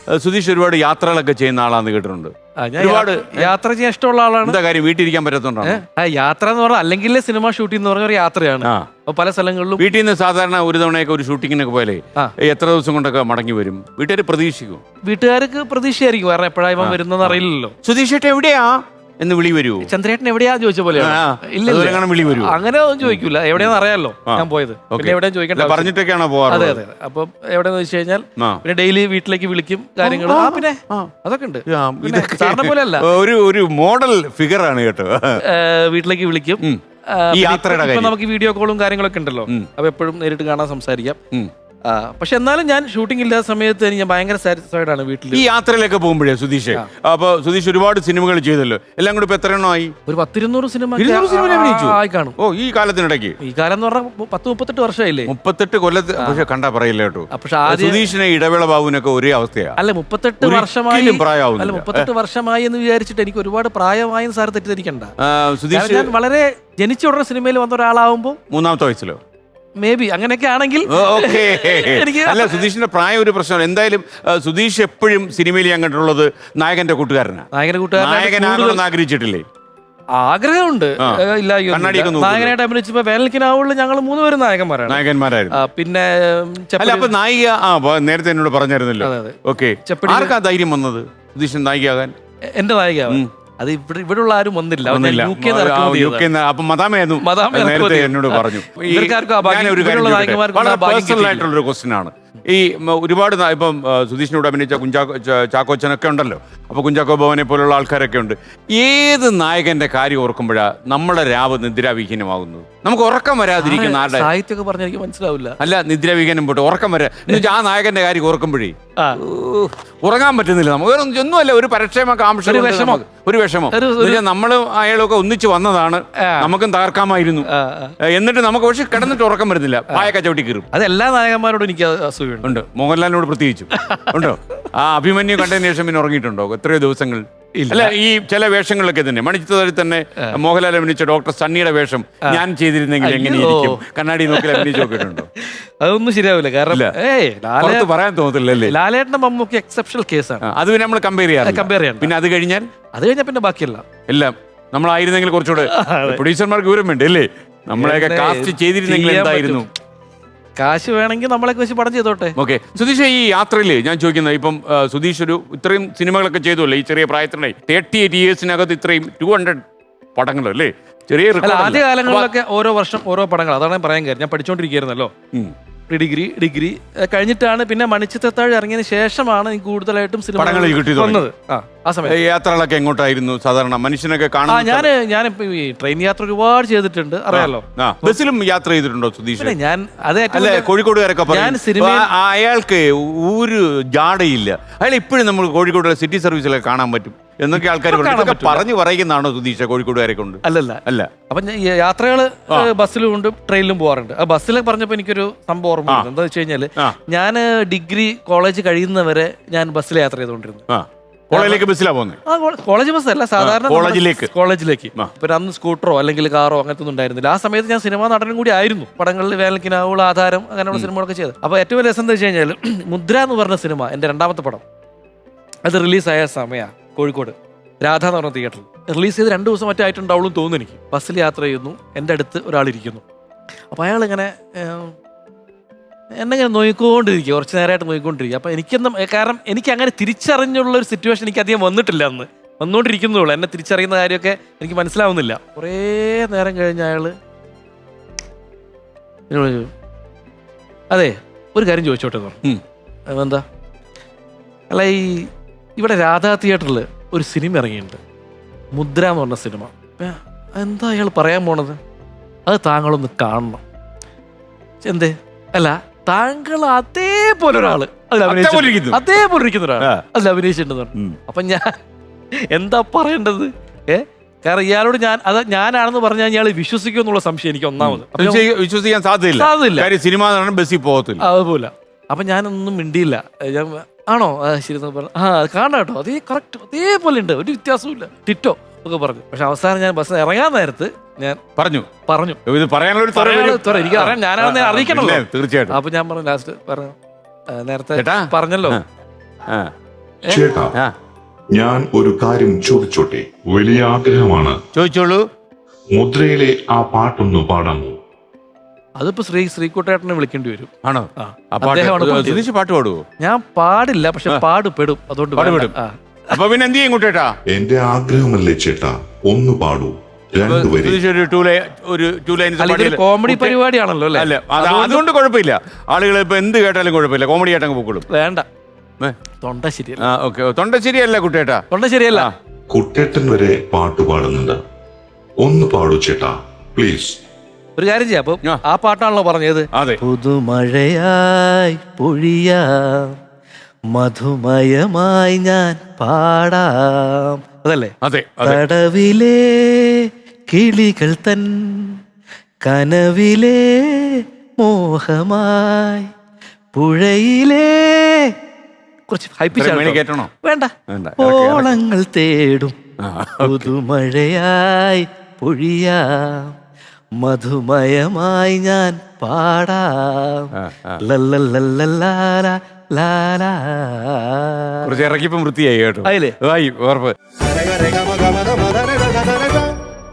സുധീഷ് ഒരുപാട് യാത്രകളൊക്കെ ചെയ്യുന്ന ആളാന്ന് കേട്ടിട്ടുണ്ട്. ഒരുപാട് യാത്ര ചെയ്യാൻ ഇഷ്ടമുള്ള ആളാണ്. എന്താ കാര്യം, വീട്ടിലിരിക്കാൻ പറ്റത്തോണ്ടാണ്? യാത്ര എന്ന് പറഞ്ഞാൽ അല്ലെങ്കിൽ സിനിമ ഷൂട്ടിംഗ് എന്ന് പറഞ്ഞ ഒരു യാത്രയാണ്. അപ്പൊ പല സ്ഥലങ്ങളിലും വീട്ടിൽ നിന്ന് സാധാരണ ഒരു തവണയൊക്കെ ഒരു ഷൂട്ടിങ്ങിനൊക്കെ പോലെ എത്ര ദിവസം കൊണ്ടൊക്കെ മടങ്ങി വരും? വീട്ടുകാർ പ്രതീക്ഷിക്കും? വീട്ടുകാർക്ക് പ്രതീക്ഷയായിരിക്കും, കാരണം എപ്പോഴാ ഇവൻ വരുന്നെന്ന് അറിയില്ലല്ലോ. സുധീഷ് ഏട്ടൻ എവിടെയാ എന്ന് വിളി വരൂ. ചന്ദ്രേട്ടൻ എവിടെയാ ചോദിച്ച പോലെ വിളി വരൂ. അങ്ങനെ ഒന്നും ചോദിക്കൂല, എവിടെയാന്ന് അറിയാലോ ഞാൻ പോയത്. പിന്നെ എവിടെയും ചോദിക്കണ്ട, പറഞ്ഞിട്ടൊക്കെയാണോ പോവാറ്? അതെ അതെ. അപ്പൊ എവിടെയെന്ന് വെച്ച് കഴിഞ്ഞാൽ പിന്നെ ഡെയിലി വീട്ടിലേക്ക് വിളിക്കും, കാര്യങ്ങൾ പിന്നെ അതൊക്കെ ഉണ്ട്. സാറിനെ പോലെ അല്ല, ഒരു മോഡൽ ഫിഗർ ആണ് കേട്ടോ. വീട്ടിലേക്ക് വിളിക്കും. നമുക്ക് വീഡിയോ കോളും കാര്യങ്ങളൊക്കെ ഉണ്ടല്ലോ, അപ്പൊ എപ്പോഴും നേരിട്ട് കാണാൻ സംസാരിക്കാം. പക്ഷെ എന്നാലും ഞാൻ ഷൂട്ടിംഗ് ഇല്ലാത്ത സമയത്ത് ഞാൻ ഭയങ്കര സാറ്റിസ്ഫൈഡ് ആണ് വീട്ടിൽ. ഈ യാത്രയിലൊക്കെ പോകുമ്പോഴേ സുധീഷ്, അപ്പൊ സുധീഷ് ഒരുപാട് സിനിമകൾ ചെയ്തല്ലോ, എല്ലാം കൂടി ഇപ്പൊ എത്ര എണ്ണമായി? ഒരു 10-200 സിനിമ ആയി കാണും. ഓ, ഈ കാലത്തിനിടയ്ക്ക്? ഈ കാലം എന്ന് പറഞ്ഞാൽ 10-38 വർഷമായില്ലേ. 38 കൊല്ലത്ത്. പക്ഷെ കണ്ടാ പറയില്ല കേട്ടോ, സുധീഷിനെ ഇടവേള ബാബുവിനൊക്കെ ഒരേ അവസ്ഥയാണ്. അല്ല 38 വർഷമായി പ്രായമാവും. അല്ല 38 വർഷമായി എന്ന് വിചാരിച്ചിട്ട് എനിക്ക് ഒരുപാട് പ്രായമായും സാർ തെറ്റിദ്ധരിക്കണ്ട. സുധീഷ് ഞാൻ വളരെ ജനിച്ച ഉടനെ സിനിമയിൽ വന്ന ഒരാളാവുമ്പോ 3ാമത്തെ വയസ്സിലോ മേ ബി അങ്ങനെയൊക്കെ ആണെങ്കിൽ. അല്ല, സുധീഷിന്റെ പ്രായം ഒരു പ്രശ്നമാണ്. എന്തായാലും സുധീഷ് എപ്പോഴും സിനിമയിൽ ഞാൻ കണ്ടിട്ടുള്ളത് നായകന്റെ കൂട്ടുകാരനാണ്. നായകനാകണമെന്ന് ആഗ്രഹിച്ചിട്ടില്ലേ? ആഗ്രഹമുണ്ട്, ഇല്ല. നായകനായിട്ട് അഭിനയിച്ചപ്പോ വേനൽക്കിനാവുള്ള ഞങ്ങൾ 3 പേരും നായകന്മാരായിരുന്നു. പിന്നെ നായിക നേരത്തെ എന്നോട് പറഞ്ഞായിരുന്നല്ലോ. ഓക്കെ, ആർക്കാ ധൈര്യം വന്നത് സുധീഷൻ നായികയാകാൻ? എന്റെ നായികയാവാൻ അത് ഇവിടെ ഉള്ള ആരും വന്നില്ല. അപ്പൊ മദാമയായിരുന്നു നേരത്തെ എന്നോട് പറഞ്ഞു. ഒരു ക്വസ്റ്റ്യൻ ആണ് ഈ ഒരുപാട് ഇപ്പം സുധീഷിനോട് അഭിനയിച്ച ചാക്കോച്ചനൊക്കെ ഉണ്ടല്ലോ. അപ്പൊ കുഞ്ചാക്കോ ഭവനെ പോലുള്ള ആൾക്കാരൊക്കെ ഉണ്ട്. ഏത് നായകന്റെ കാര്യം ഓർക്കുമ്പോഴാ നമ്മുടെ രാവ് നിദ്രാവിഹീനമാകുന്നത്? നമുക്ക് ഉറക്കം വരാതിരിക്കുന്ന ആരുടെ സാഹിത്യമൊക്കെ പറഞ്ഞാൽ എനിക്ക് മനസ്സിലാവില്ല. അല്ല, നിദ്രാവിഹീനം പോട്ടെ, ഉറക്കം വരാ. ആ നായകന്റെ കാര്യം ഓർക്കുമ്പോഴേ ഉറങ്ങാൻ പറ്റുന്നില്ല. നമുക്ക് ഒന്നുമല്ല, ഒരു പരക്ഷേമകാംക്ഷ, ഒരു വിഷമം. നമ്മളും അയാളൊക്കെ ഒന്നിച്ച് വന്നതാണ്, നമുക്കും തകർക്കാമായിരുന്നു. എന്നിട്ട് നമുക്ക് പക്ഷെ കിടന്നിട്ട് ഉറക്കം വരുന്നില്ല, പായൊക്കെ ചവിട്ടി കീറും. അത് എല്ലാ നായകന്മാരോടും എനിക്ക് അസൂയുണ്ട്. മോഹൻലാലിനോട് പ്രത്യേകിച്ചും ഉണ്ടോ? ആ അഭിമന്യു കണ്ടതിന് ശേഷം പിന്നെ ഉറങ്ങിയിട്ടുണ്ടോ എത്രയോ ദിവസങ്ങൾ? അല്ല, ഈ ചില വേഷങ്ങളിലൊക്കെ തന്നെ മണിച്ചിത്രത്തിൽ തന്നെ മോഹൻലാൽ അഭിനയിച്ച ഡോക്ടർ സണ്ണിയുടെ വേഷം ഞാൻ ചെയ്തിരുന്നെങ്കിൽ എങ്ങനെയിരിക്കും കണ്ണാടി നോക്കി അഭിനയിച്ച് നോക്കിയിട്ടുണ്ടോ? അതൊന്നും ശരിയാവില്ല, കാരണം പറയാൻ തോന്നത്തില്ലല്ലേ. ലാലേട്ടന്റെ മമ്മൂക്കി എക്സെപ്ഷണൽ കേസാണ്. അത് പിന്നെ നമ്മൾ കമ്പയർ ചെയ്യാം. പിന്നെ അത് കഴിഞ്ഞാൽ പിന്നെ ബാക്കിയല്ല എല്ലാം നമ്മളായിരുന്നെങ്കിൽ കുറച്ചുകൂടെ പ്രൊഡ്യൂസർമാർക്ക് വിവരം വേണ്ടേ അല്ലേ? നമ്മളെയൊക്കെ കാസ്റ്റ് ചെയ്തിരുന്നെങ്കിൽ എന്തായിരുന്നു? കാശ് വേണമെങ്കിൽ നമ്മളൊക്കെ വെച്ച് പടം ചെയ്തോട്ടെ. ഓക്കെ, സുധീഷ്, ഈ യാത്രയിൽ ഞാൻ ചോദിക്കുന്നത്, ഇപ്പം സുധീഷ് ഇത്രയും സിനിമകളൊക്കെ ചെയ്തല്ലോ ഈ ചെറിയ പ്രായത്തിനായി. 38 ഇയേഴ്സിനകത്ത് ഇത്രയും 200 പടങ്ങൾ അല്ലേ? ചെറിയ ആദ്യ കാലങ്ങളിലൊക്കെ ഓരോ വർഷം ഓരോ പടങ്ങൾ. അതാണ് ഞാൻ പറയാൻ കാര്യം. ഞാൻ പഠിച്ചുകൊണ്ടിരിക്കുകയായിരുന്നല്ലോ, ഡിഗ്രി കഴിഞ്ഞിട്ടാണ് പിന്നെ മണിച്ചിത്രത്താഴ് ഇറങ്ങിയതിന് ശേഷമാണ് എനിക്ക് കൂടുതലായിട്ടും സിനിമകൾ വന്നത്. ആ സമയത്ത് യാത്രകളൊക്കെ എങ്ങോട്ടായിരുന്നു സാധാരണ മനുഷ്യനൊക്കെ കാണാൻ? ഞാനിപ്പോ ഈ ട്രെയിൻ യാത്ര ഒരുപാട് ചെയ്തിട്ടുണ്ട്, അറിയാലോ. ബസ്സിലും യാത്ര ചെയ്തിട്ടുണ്ടോ സുധീഷ്? ഞാൻ കോഴിക്കോടുകാരൊക്കെ അയാൾക്ക് ഒരു ജാടയില്ല, അയാൾ ഇപ്പോഴും നമ്മൾ കോഴിക്കോട് സിറ്റി സർവീസിലൊക്കെ കാണാൻ പറ്റും എന്നൊക്കെ ആൾക്കാർ പറഞ്ഞു പറയുന്നതാണോ സുധീഷ് കോഴിക്കോടുകാരെ കൊണ്ട്? അല്ല. അപ്പൊ യാത്രകള് ബസ്സിലും ഉണ്ട്, ട്രെയിനിലും പോകാറുണ്ട്. ആ ബസ്സിൽ പറഞ്ഞപ്പോ എനിക്കൊരു സംഭവം ഓർമ്മ. എന്താ വെച്ച് കഴിഞ്ഞാല്, ഞാൻ ഡിഗ്രി കോളേജ് കഴിയുന്നവരെ ഞാൻ ബസ്സിൽ യാത്ര ചെയ്തുകൊണ്ടിരുന്നു. കോളേജിലേക്ക് ബസ്സിലാ പോകുന്നത്? കോളേജ് ബസ് അല്ല, സാധാരണ കോളേജിലേക്ക്. ഇപ്പൊ അന്ന് സ്കൂട്ടറോ അല്ലെങ്കിൽ കാറോ അങ്ങനത്തെ ഒന്നും ഉണ്ടായിരുന്നില്ല. ആ സമയത്ത് ഞാൻ സിനിമാ നടനും കൂടി ആയിരുന്നു. പടങ്ങളിൽ വേനൽക്കിനാവുള്ള ആധാരം അങ്ങനെയുള്ള സിനിമകളൊക്കെ ചെയ്ത്. അപ്പൊ ഏറ്റവും വലിയ രസം എന്താ വെച്ച് കഴിഞ്ഞാൽ, മുദ്ര എന്ന് പറഞ്ഞ സിനിമ എന്റെ 2ാമത്തെ പടം, അത് റിലീസായ സമയമാണ് കോഴിക്കോട് രാധ എന്ന് പറഞ്ഞ തിയേറ്ററിൽ. റിലീസ് ചെയ്ത് 2 ദിവസം മറ്റേ ആയിട്ടുണ്ടാവുള്ളൂ തോന്നുന്നു എനിക്ക്. ബസ്സിൽ യാത്ര ചെയ്യുന്നു, എൻ്റെ അടുത്ത് ഒരാളിരിക്കുന്നു. അപ്പോൾ അയാളിങ്ങനെ എന്നെ ഇങ്ങനെ നോക്കിക്കൊണ്ടിരിക്കുക, കുറച്ച് നേരമായിട്ട് നോക്കിക്കൊണ്ടിരിക്കുക. അപ്പോൾ എനിക്കെന്നും, കാരണം എനിക്ക് അങ്ങനെ തിരിച്ചറിഞ്ഞുള്ളൊരു സിറ്റുവേഷൻ എനിക്ക് അധികം വന്നിട്ടില്ല അന്ന്. വന്നുകൊണ്ടിരിക്കുന്നുള്ളൂ, എന്നെ തിരിച്ചറിയുന്ന കാര്യമൊക്കെ എനിക്ക് മനസ്സിലാവുന്നില്ല. കുറേ നേരം കഴിഞ്ഞ അയാൾ അതെ ഒരു കാര്യം ചോദിച്ചോട്ടെ എന്ന് പറഞ്ഞു. എന്താ? അല്ല, ഇവിടെ രാധാ തിയേറ്ററിൽ ഒരു സിനിമ ഇറങ്ങിയിട്ടുണ്ട്, മുദ്ര എന്ന് പറഞ്ഞ സിനിമ. എന്താ അയാൾ പറയാൻ പോണത്? അത് താങ്കളൊന്ന് കാണണം. എന്തേ? അല്ല, താങ്കൾ അതേപോലെ ഒരാള് അതേപോലെ ഇരിക്കുന്ന ഒരാൾ അതിൽ അഭിനയിച്ചിട്ടുണ്ടെന്ന് പറഞ്ഞു. അപ്പൊ ഞാൻ എന്താ പറയേണ്ടത്? കാരണം ഇയാളോട് ഞാനാണെന്ന് പറഞ്ഞാൽ ഇയാൾ വിശ്വസിക്കും എന്നുള്ള സംശയം എനിക്ക് ഒന്നാമത്. വിശ്വസിക്കാൻ സാധ്യതയില്ല, സിനിമ ബസ്സിൽ പോകത്തില്ല. അതുപോലെ. അപ്പൊ ഞാനൊന്നും മിണ്ടിയില്ല. ഞാൻ ആണോ ശരി പറഞ്ഞു, കാണാം കേട്ടോ, അതേ കറക്റ്റ് അതേപോലെ ഉണ്ട്, ഒരു വ്യത്യാസവും ടിറ്റോ ഒക്കെ പറഞ്ഞു. പക്ഷെ അവസാനം ഞാൻ ബസ് ഇറങ്ങാൻ നേരത്ത് ഞാൻ പറഞ്ഞു ഇത് പറയാനുള്ള എനിക്ക് അറിയാം, ഞാനാണെന്ന് അറിയിക്കണല്ലോ തീർച്ചയായിട്ടും. അപ്പൊ ഞാൻ പറഞ്ഞു, ലാസ്റ്റ് പറഞ്ഞു, നേരത്തെ പറഞ്ഞല്ലോ ചേട്ടാ ആ ഞാൻ ഒരു കാര്യം ചോദിച്ചോട്ടെ? വലിയ ആഗ്രഹമാണ്. ചോദിച്ചോളൂ. മുദ്രയിലെ ആ പാട്ടൊന്ന് പാടാമോ? അതിപ്പോ ശ്രീകുട്ടേട്ടനെ വിളിക്കേണ്ടി വരും. ആണോ? ആ. ആ പാട്ട് അദ്ദേഹമാണ് പാടിയത്. സുധീഷ് പാട്ട് പാടുവോ? ഞാൻ പാടില്ല, പക്ഷെ പാടുപെടും. അതുകൊണ്ട് പാടുപെടും. വേണ്ട. ആ. അപ്പൊ പിന്നെ എന്ത് ചെയ്യും കുട്ടേട്ടാ? എന്റെ ആഗ്രഹമല്ലേ ചേട്ടാ, ഒന്ന് പാടൂ, രണ്ടുപേരെ. സുധീഷ് ഒരു ടൂ ലൈൻസ് അല്ല, ഇതൊരു കോമഡി പരിപാടിയാണല്ലോ അല്ലേ? അല്ല അതുകൊണ്ട് കുഴപ്പമില്ല. ആളുകൾ ഇപ്പൊ എന്ത് കേട്ടാലും കുഴപ്പമില്ല, കോമഡി ആയിട്ടങ്ങ് പൊക്കോളും. വേണ്ട, തൊണ്ട ശരിയല്ല. ഓക്കെ, തൊണ്ട ശരിയല്ല കുട്ടേട്ടാ. തൊണ്ട ശരിയല്ല. കുട്ടേട്ടൻ വരെ പാട്ട് പാടുന്നുണ്ട്, ഒന്ന് പാടൂ ചേട്ടാ പ്ലീസ്. ഒരു കാര്യം ചെയ്യാം. അപ്പൊ ആ പാട്ടാണല്ലോ പറഞ്ഞത്. അതെ. പുതുമഴയായി പൊഴിയാം, മധുമയമായി ഞാൻ പാടാം, അതല്ലേ? അതെ. കടവിലെ കിളികൾ തൻ കനവിലെ മോഹമായി പുഴയിലെ കുറച്ച് കേട്ടണോ? വേണ്ട. ഓളങ്ങൾ തേടും പുതുമഴയായി പൊഴിയാം, മധുമയമായി ഞാൻ പാടാം. ലല്ലല്ലല്ലലാലാ ലാലാ. കുറച്ച് ഇറക്കിപ്പം വൃത്തിയായി കേട്ടോ. ആയില്ലേ? ഉറപ്പ്.